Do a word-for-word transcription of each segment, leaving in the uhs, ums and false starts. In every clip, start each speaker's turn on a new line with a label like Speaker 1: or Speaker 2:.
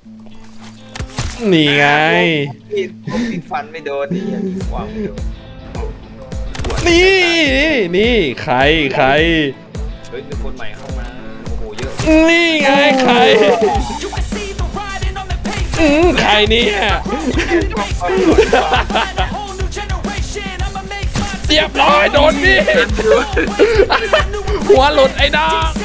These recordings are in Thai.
Speaker 1: นี่ไง
Speaker 2: พี่ผมติดฟันไม่โดนนี่ยังมีความไม่โดน
Speaker 1: นี่นี่ใครใคร
Speaker 2: เฮ้ยมีคนใหม่เข้ามาโอ้โหเยอะ
Speaker 1: นี่ไงใครอืมใครเนี่ยเรียบร้อยโดนมีดหัวหลุดไอ้น้อง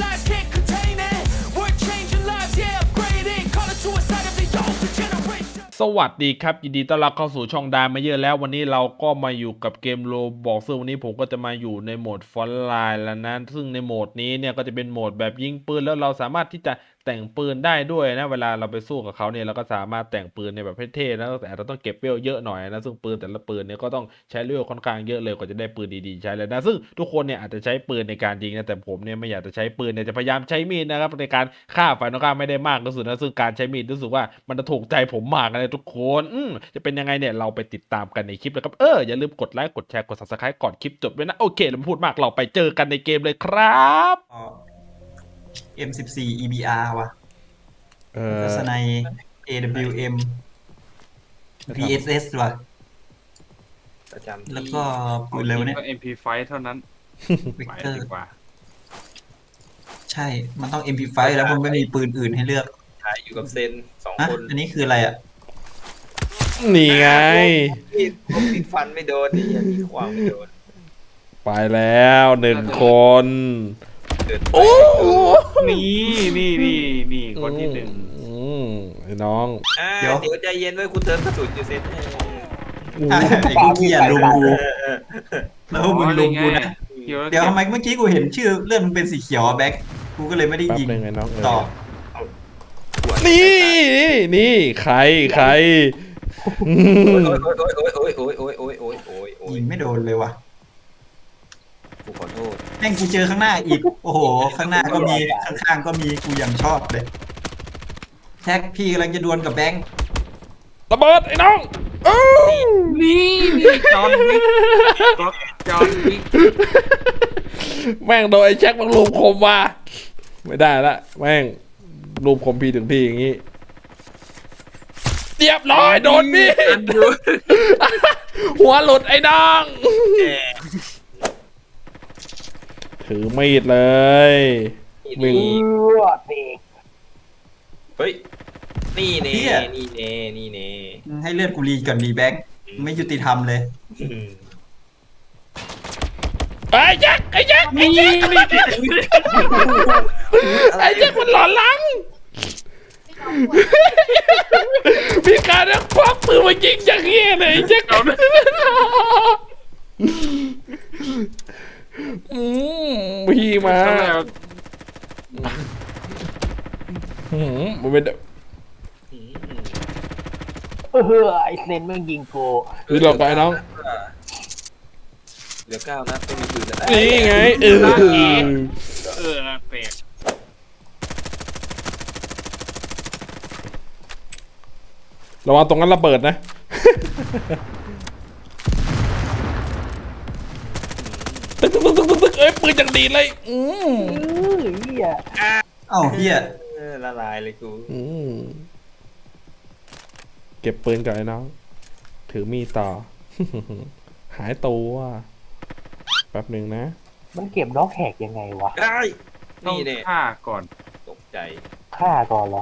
Speaker 1: สวัสดีครับยินดีต้อนรับเข้าสู่ช่องดามาเยอะแล้ววันนี้เราก็มาอยู่กับเกมโรบอกซึ่งวันนี้ผมก็จะมาอยู่ในโหมดฟอนต์ไลน์แล้วนะซึ่งในโหมดนี้เนี่ยก็จะเป็นโหมดแบบยิงปืนแล้วเราสามารถที่จะแต่งปืนได้ด้วยนะเวลาเราไปสู้กับเขาเนี่ยเราก็สามารถแต่งปืนในแบบเท่ๆนะแต่เราต้องเก็บเวลเยอะหน่อยนะซึ่งปืนแต่ละปืนเนี่ยก็ต้องใช้เวลค่อนข้างเยอะเลยกว่าจะได้ปืนดีๆใช้เลยนะซึ่งทุกคนเนี่ยอาจจะใช้ปืนในการยิงนะแต่ผมเนี่ยไม่อยากจะใช้ปืนเนี่ยจะพยายามใช้มีดนะครับในการฆ่าฝ่ายตรงข้ามไม่ได้มากที่สุดนะซึ่งการใช้มีดรู้สึกว่ามันจะถูกใจผมมากเลยทุกคนอืมจะเป็นยังไงเนี่ยเราไปติดตามกันในคลิปเลยครับเอออย่าลืมกดไลค์กดแชร์กด ซับสไครบ์ ก่อนคลิปจบด้วยนะโอเคเราไม่พูดมากเราไปเจอกันในเกมเลยครับ
Speaker 3: เอ็ม สิบสี่ อี บี อาร์ ว่ะ
Speaker 1: เออ
Speaker 3: ทัศนัย เอ ดับเบิลยู เอ็ม พี เอส เอส ว่ะ
Speaker 2: ประจำที่
Speaker 3: แล้วก็ปืนอะไรวะเนี่ย
Speaker 4: ก็ เอ็ม พี ไฟว์ เท่านั้น
Speaker 3: วิก
Speaker 4: ไป
Speaker 3: เตอร์
Speaker 4: ดีกว่า
Speaker 3: ใช่ มันต้อง เอ็ม พี ไฟว์ แล้วมันไม่มีปืนอื่นให้เลือก
Speaker 2: ถ่ายอยู่กับเซนสอง
Speaker 3: อ่ะ
Speaker 2: คน
Speaker 3: อันนี้คืออะไรอ่ะ
Speaker 1: นี่ไง
Speaker 2: พี่ผมติดฟันไม่โดนนี่ยังมีความไม่โดน
Speaker 1: ไปแล้วหนึ่งคน
Speaker 2: เดิน
Speaker 1: โอ้
Speaker 4: นี่นี่นี่นี่คนที่หนึ่ง
Speaker 1: อืมไอ้น้อง
Speaker 2: อ่า
Speaker 3: เดี๋ยว
Speaker 2: เดี๋ยวใจเย็นไว้คุณเติมกระสุนอยู่เซน
Speaker 3: อ่ะไอ้พวกเหี้ยลุมกู แล้วพวกมึงลุมกูนะ
Speaker 4: เดี๋ยว
Speaker 3: เดี๋ยวทำไมเมื่อกี้กูเห็นชื่อเลื่อนมันเป็นสีเขียวอะแบ็คกูก็เลยไม่ได้
Speaker 1: แป๊บ
Speaker 3: ยิง
Speaker 1: นึงไอ้น้องเอ
Speaker 3: ต่อ
Speaker 1: อนี่นี่ใครใครอืม
Speaker 2: โอ้ยโอ้ยโอ้ยโอ้ยโอ้ยโอ้ยโอ้ยโอ้ยโอ้ย
Speaker 3: ยิงไม่โดนเลยว่ะ
Speaker 2: กูขอโทษ
Speaker 3: แม่งกูเจอข้างหน้าอีก โอ้โห ข้างหน้าก็มี ข้างๆก็มีกูยังชอบเลยแท็กพี่กำลังจะดวลกับแบงค์
Speaker 1: ระเบิดไอ้น้องเอ้า
Speaker 4: นี่นี่จอห์นวิกก็จอห์นวิก
Speaker 1: แม่งโดนไอ้แจ็คมันลูมคมว่ะไม่ได้ละแม่งลูมคมพี่ถึงพี่อย่างงี้เรียบร้อยโดนมีดหัวหลุดไอ้น้องถือมีดเลยวิ่ง
Speaker 2: เฮ้ยนี่เน่นี่เน่นี่เน่
Speaker 3: ให้เลือดกูรีก่อนดีแบงค์ไม่ยุติธรรมเลย
Speaker 1: ไอ้แจ็คไอ้แจ็คไอ้แจ็คไอ้แจ็คมันหลอนหลังพี่การเนี่ยควักปืนมายิงอย่างเงี้ยเลยไอ้แจ็คอืมพี่มาอืมมันเป็น
Speaker 5: เออไอเซนแม่งยิงกู
Speaker 1: คือหลอกไปน้อง
Speaker 2: เหลือเก้านัดไม่มีปืนแล้ว
Speaker 1: นี่ไงเออ
Speaker 4: เออแปลก
Speaker 1: ระวังตรงนั้นระเบิดนะตึ๊กตึ๊กตึ๊กตึ๊กตึ๊กเอ้ยปืนอย่างดีเลยอืม
Speaker 5: เออเหี้ย
Speaker 3: เอ้าเฮีย
Speaker 2: เออละลายเลยกู
Speaker 1: อืมเก็บปืนก่อนไอ้น้องถือมีดต่อ หายตัวแป๊บหนึ่งนะ
Speaker 5: มันเก็บด็อกแหกยังไงวะ
Speaker 2: ได้
Speaker 4: ต้อง
Speaker 2: นี่เนี่ย
Speaker 4: ฆ่าก่อน
Speaker 2: ตกใจ
Speaker 5: ฆ่าก่อนเหรอ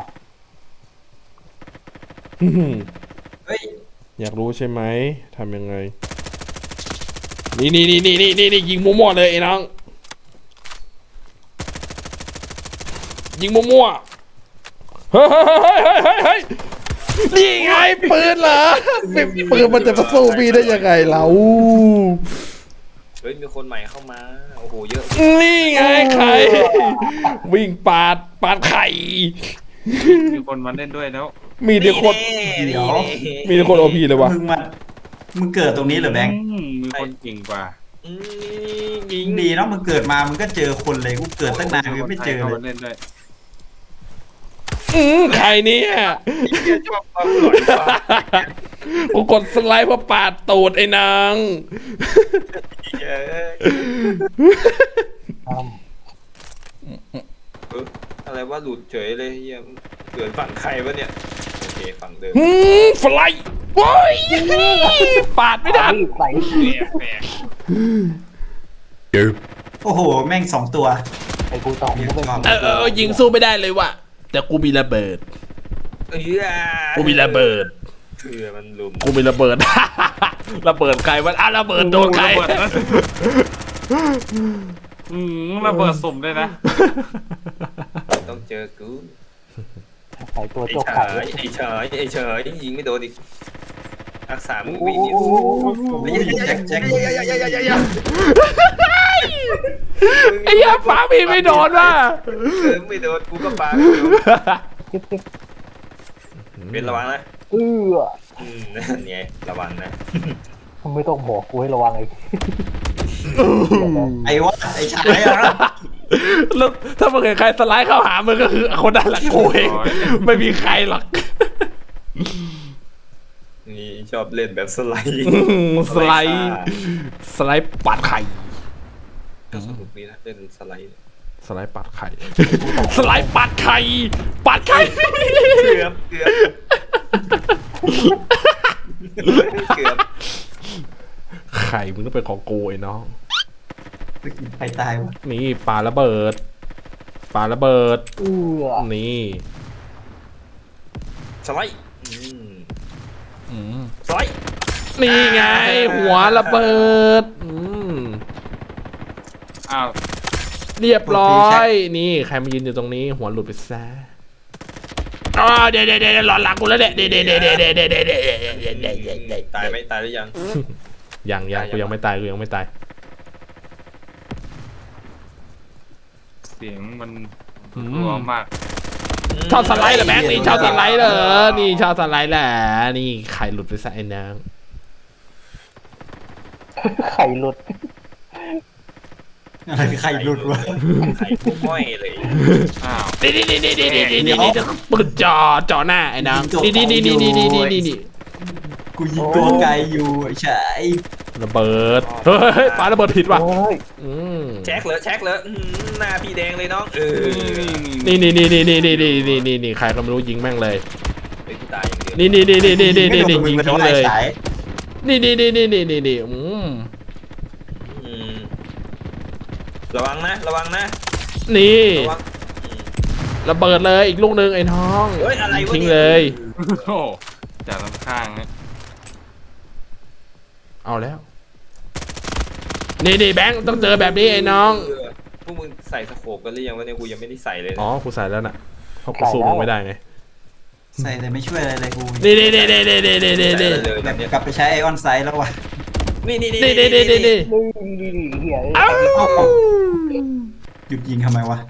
Speaker 3: เฮ้ย
Speaker 1: อยากรู้ใช่ไหมทำยังไงนี่นี่นี่นี่นี่นี่นี่ยิงมั่วๆเลยไอ้น้องยิงมั่วๆเฮ้ยเฮ้ยเฮ้ยเฮ้ยเฮ้ยนี่ไงปืนเหรอปืนมันจะมาสู้พี่ได้ยังไงเรา
Speaker 2: เฮ้ยมีคนใหม่เข้ามาโอ้โหเยอะ
Speaker 1: นี่ไงใครวิ่งปาดปาดไข่
Speaker 4: มีคนมาเล่นด้วยแล้ว
Speaker 1: มีแต่คน
Speaker 3: เดี๋ยว
Speaker 1: มีแต่คนโอพีเลยวะ
Speaker 3: มึงมามึงเกิดตรงนี้เหรอแบงค์
Speaker 4: อืมมีคนเก่งกว่า
Speaker 2: อืมยิง
Speaker 3: ดีเนาะมึงเกิดมามึงก็เจอคนเลยกูเกิดตั้งนานกูยังไม่เจอ
Speaker 4: ข้า
Speaker 3: เล
Speaker 4: มาย เล่นด้วย
Speaker 1: อืมใครเนี่ย
Speaker 2: ชอบความหลอนว่ะ
Speaker 1: กูกดสไลด์เพราะปาดตูดไอ้นาง
Speaker 2: เยอะ
Speaker 5: อ้ำ
Speaker 2: เอออะไรอะไรว่าหลุดเฉยเลยเฮียเกิดฝั่งใครวะเนี่ยโอเคฝั่งเดิม
Speaker 1: หืมฟลายโว้ยปาดไม่ทัน
Speaker 5: ใส่
Speaker 2: แปลก
Speaker 3: โอ้โห แม่งสองตัว
Speaker 5: ไอ้กูตองก็เป็น
Speaker 1: เออเออเออยิงสู้ไม่ได้เลยว่ะแต่กูมีระเบิด
Speaker 2: ๆเออ
Speaker 1: กูมีระเบิด
Speaker 2: เถื่อมันลุม
Speaker 1: กูมีระเบิด ระเบิดใครวะอ่ะระเบิดโดนใคร
Speaker 4: ระเบิดนะอืมระเบิดสุ่มด้วยนะ
Speaker 2: ต้องเจอกู
Speaker 5: ใส่ตัว
Speaker 2: ไอ้
Speaker 5: โจก
Speaker 2: เฉ
Speaker 5: ไข่
Speaker 2: ยไอ้เฉยไอ้เฉยยิงไม่โดนอีกรักษามือ
Speaker 5: โอ้
Speaker 2: วิ่ง
Speaker 5: โห
Speaker 2: นี่
Speaker 3: แจ็คแจ็ค
Speaker 1: ไอ้ยาฟ้ามีไม่โดนว่ะ
Speaker 2: เออไม่โดนกูก็ปาไม่โดน
Speaker 5: จิ๊บจิ๊บ
Speaker 2: เป็นระวังนะ
Speaker 5: เออ
Speaker 2: อืมนั่นไงระวังนะ
Speaker 5: มึงไม่ต้องบอกกูให้ระวังไอ้
Speaker 3: ไอ้วะไอ้ชายอะ
Speaker 1: แล้วถ้ามึงเห็นใครสไลด์เข้าหามึงก็คือคนนั้นแหละกูเองไม่มีใครหรอก
Speaker 2: นี่ชอบเล่นแบบสไลด์
Speaker 1: สไลด์สไลด์ปัดไข่
Speaker 2: ก็สนุกดีนะเล่นสไลด์
Speaker 1: สไลด์ปัดไข่ สไลด์ปัดไข่ปัดไข่
Speaker 2: เกือบเกือบเกือบ
Speaker 1: ไข่มึงต้องเป็นของกูไอ้น้อง
Speaker 3: ใครตายวะ
Speaker 1: นี่ปาระเบิดปาระเบิด
Speaker 5: เออ
Speaker 1: นี่
Speaker 2: สไลด์อืม
Speaker 1: อืม
Speaker 2: สไลด์
Speaker 1: นี่ไง หัวระเบิดอืม
Speaker 4: อ้าว
Speaker 1: เรียบร้อย นี่ใครมายืนอยู่ตรงนี้ หัวหลุดไปซะอ๋อเดี๋ยวเดี๋ยวเดี๋ยวหลอนหลังกูแล้วเดี๋ยวเดี๋ยวเดี๋ยวเดี๋ยวเดี๋ยวเดี๋ยวเดี๋ยวเดี๋ยวเดี๋ยวเดี๋ยวเดี๋ยวเดี๋ยวเดี๋ยว
Speaker 2: ตายไหมตายหรือยัง
Speaker 1: ยังยังกูยังไม่ตายกูยังไม่ตาย
Speaker 4: เสียงมัน
Speaker 1: อืม
Speaker 4: รัวมาก
Speaker 1: ชอบสไลด์เหรอแบงค์นี่ชอบสไลด์เหรอนี่ชอบสไลด์แหละนี่ไข่หลุดไปซะไอ้นาง
Speaker 5: ไข่หลุด
Speaker 3: อะไรใครหลุดวะ
Speaker 2: ไข่พวกม้อยเลย
Speaker 4: อ้าว
Speaker 1: นี่นี่นี่นี่นี่นี่นี่นี่นี่ปืนจ่อจ่อหน้าไอ้นางนี่นี่นี่นี่นี่นี่นี่นี่นี่
Speaker 3: กูยิงตัวไกลอยู่ไอ้ชาย
Speaker 1: ระเบิดเฮ้ยปาระเบิดผิดว่ะ
Speaker 5: โอ้ย
Speaker 1: อืม
Speaker 2: แช็คเลยแช็คเลยอื้อหือหน้าพี่แดงเลยน้องเออ
Speaker 1: นี่นี่นี่นี่นี่นี่นี่นี่นี่นี่ใครก็ไม่รู้ยิงแม่งเลย
Speaker 2: ไอ้กูตายอย่างเดียว
Speaker 1: นี่นี่นี่นี่นี่นี่นี่
Speaker 3: ไม่
Speaker 1: นี่
Speaker 3: โดนมึ
Speaker 1: ยิง
Speaker 3: ง
Speaker 1: ทิ้งเลย
Speaker 3: ไอ้ชาย
Speaker 1: นี่นี่นี่นี่นี่นี่นี่อืม
Speaker 2: อืมระวังนะระวังนะ
Speaker 1: นี่
Speaker 2: ระวังอืม
Speaker 1: ระเบิดเลยอีกลูกหนึ่งไอ้น้อง
Speaker 2: เฮ้ยอะไรวะ
Speaker 1: ทิ้ง
Speaker 2: นี่
Speaker 1: เลย
Speaker 4: โอ้โหจากลำข้างฮะ
Speaker 1: เอาแล้วนี่นี่แบงค์ต้องเจอแบบนี้ไอ้น้อง
Speaker 2: เออพวกมึงใส่สโคปกันหรือยังวะเนี่ยกูยังไม่ได้ใส่เลยนะ
Speaker 1: อ๋อกูใส่แล้วน่ะเพราะกูสู้มึงไม่ได้ไง
Speaker 3: ใส่แต่ไม่ช่วยอะไรเลยกู
Speaker 1: นี่นี่นี่นี่นี่นี่นี่นี่นี่
Speaker 2: ใส่เลย
Speaker 3: แบ
Speaker 2: แบบ บเนี้ย
Speaker 3: กลับไปใช้ไอออนไซด์แล้ววะ
Speaker 2: นี่นี่
Speaker 1: นี่นี่นี่นี่นี่
Speaker 5: นี่นี่นี่เหี้ย
Speaker 1: เอ้า
Speaker 3: หยุดยิงทำไมวะ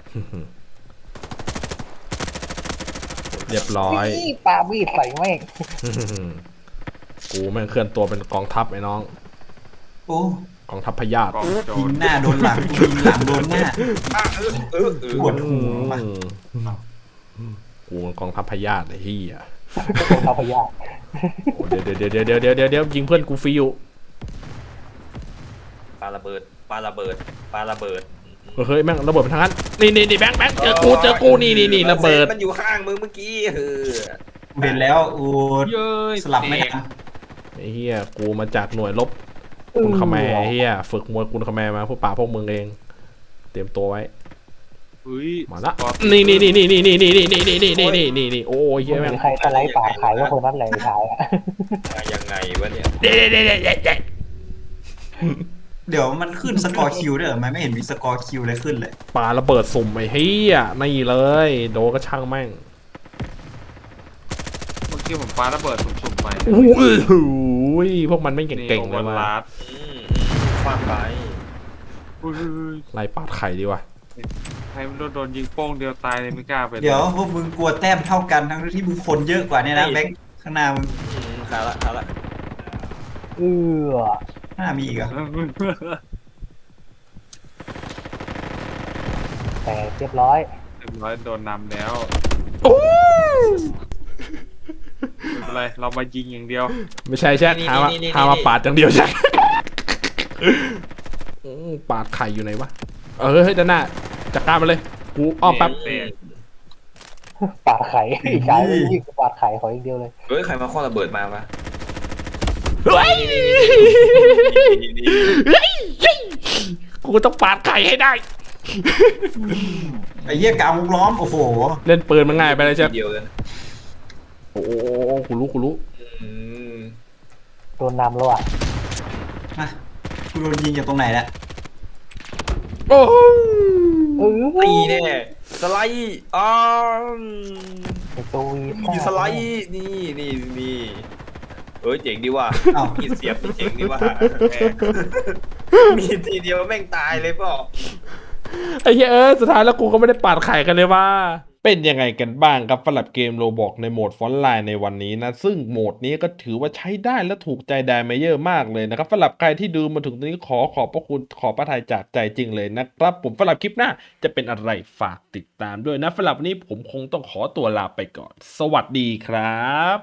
Speaker 1: เรียบร้อย
Speaker 5: นี่ปามีดใส่แม่ง
Speaker 1: กูแม่งเคลื่อนตัวเป็นกองทัพไอ้น้อง
Speaker 3: โอ้
Speaker 1: กองทัพพยาธิ
Speaker 4: กองโจ
Speaker 3: ยิ
Speaker 4: รง
Speaker 3: หน้าโดนหลังกูยิงหลังโดนหน้า
Speaker 2: อ่ะเออเออเออ
Speaker 3: ปวดหัวว่ะ
Speaker 1: กูมันกองทัพพยาธิไอ้เหี้ย
Speaker 5: ตัวทัพยา
Speaker 1: โอ้เดี๋ยวเดี๋ยวเดี๋ยวเดี๋ยวเดี๋ยวเดี๋ยวเดี๋ยวยิงเพื่อนกูฟรีอยู่
Speaker 2: ปาระเบิดปาระเบิดปาระเบิด
Speaker 1: เฮ้ยแม่งระเบิดไปทางนั้นนี่นี่นี่แบงค์แบงค์เจอกูเจอกูนี่นี่นี่ระเบิด
Speaker 2: มันอยู่ข้างมึงเมื่อกี้เออ
Speaker 3: กูเห็นแล้วโอ้
Speaker 4: เย้ย
Speaker 3: สลับไม่ทัน
Speaker 1: ไอ้เหี้ยกูมาจากหน่วยรบคุณขแมร์ไอ้เหี้ยฝึกมวยคุณขแมร์มาพวกป่าพวกมึงเอง เตรียมตัวไว้
Speaker 4: เฮ้ย
Speaker 1: มาละนี่นี่นี่นี่นี่นี่นี่นี่นี่นี่นี่นี่นี่นี่โอ้ยเหี้ยแม่ง
Speaker 5: ใครสไลด์ปากขายก็คนนั้นแหละขายอะ
Speaker 2: มายังไงวะเนี่ย
Speaker 1: เดี๋ยวเดี๋ยวเดี๋ยวเดี๋ยวเดี๋ยว
Speaker 3: เดี๋ยวมันขึ้นสกอร์คิวด้วยเหรอมันไม่เห็นมีสกอร์คิวเลยขึ้นเลย
Speaker 1: ปาระเบิดสุ่มไอ้เหี้ยนี่เลยโดนก็ช่างแม่ง
Speaker 4: เมื่อกี้ผมปาระเบิดสุ่มๆไป
Speaker 1: โอ้โหพวกมันไม่เก่งๆเลย
Speaker 4: มา
Speaker 1: มา
Speaker 4: ลัด
Speaker 2: อืมฟาดไป
Speaker 4: อุ้ย
Speaker 1: ไล่ปาดไข่ดีกว่า
Speaker 4: ใครมันโดนโดนยิงโป้งเดียวตายเลยไม่กล้าไป
Speaker 3: เดี๋ยวพวกมึงกลัวแต้มเท่ากันทั้งที่มึงคนเยอะกว่าเนี่ยนะแบงค์ข้างหน้ามึง
Speaker 2: อืมขาละขาละ
Speaker 5: เออ
Speaker 3: หน้ามีอีกเหรอ
Speaker 5: แต่เรียบร้อย
Speaker 4: เรียบร้อยโดนนำแล้ว
Speaker 1: โอ้
Speaker 4: ไม่เป็นไรเรามายิงอย่างเดียว
Speaker 1: ไม่ใช่แช่หามาหามาปาดอย่างเดียวใช่อืมปาดไข่อยู่ไหนวะเออเฮ้ยด้านหน้าจัดการมันเลยกูอ้อมแป๊บ
Speaker 4: แตก
Speaker 5: ปาดไข่ไอ้ชายไม่วิ่งปาดไข่ขออย่างเดียวเลย
Speaker 2: เฮ้ยใครมาคว้างระเบิดมาปะ
Speaker 1: เฮ้ย
Speaker 2: นี่นี่
Speaker 1: เฮ้ยเฮ้ยกูต้องปาดไข่ให้ได้
Speaker 3: ไอ้เหี้ยกาวงล้อมโอ้โห
Speaker 1: เล่นปืนมันง่ายไปเลยใช่ไหม
Speaker 2: เดียวเลยนะ
Speaker 1: โอ้โหกูรู้กูรู้
Speaker 2: อืม
Speaker 5: โดนนำแล้วอ่ะ
Speaker 3: มากูโดนยิงจากตรงไหนแล้ว
Speaker 1: โอ้โห
Speaker 5: เออ
Speaker 2: ตีแน่สไลด์อ๋อ
Speaker 5: ไอ้ตัววี
Speaker 2: มีสไลด์นี่นี่นี่เอ้ยเจ๋งดีว่ะ
Speaker 3: อ้าว
Speaker 2: มีเสียบเจ๋งดีว่ะมีทีเดียวแม่งตายเลยเปล่า
Speaker 1: ไอ้เหี้ยเอ้ยสุดท้ายแล้วกูก็ไม่ได้ปาดไข่กันเลยว่า เป็นยังไงกันบ้างครับสำหรับเกมโรบอกในโหมดฟอนต์ไลน์ในวันนี้นะ ซึ่งโหมดนี้ก็ถือว่าใช้ได้และถูกใจไดเมเยอร์มากเลยนะครับสำหรับใครที่ดูมาถึงตรงนี้ขอขอบพระคุณขอพระทัยจากใจจริงเลยนะครับ ผมสำหรับคลิปหน้าจะเป็นอะไรฝากติดตามด้วยนะสำหรับวันนี้ผมคงต้องขอตัวลาไปก่อน สวัสดีครับ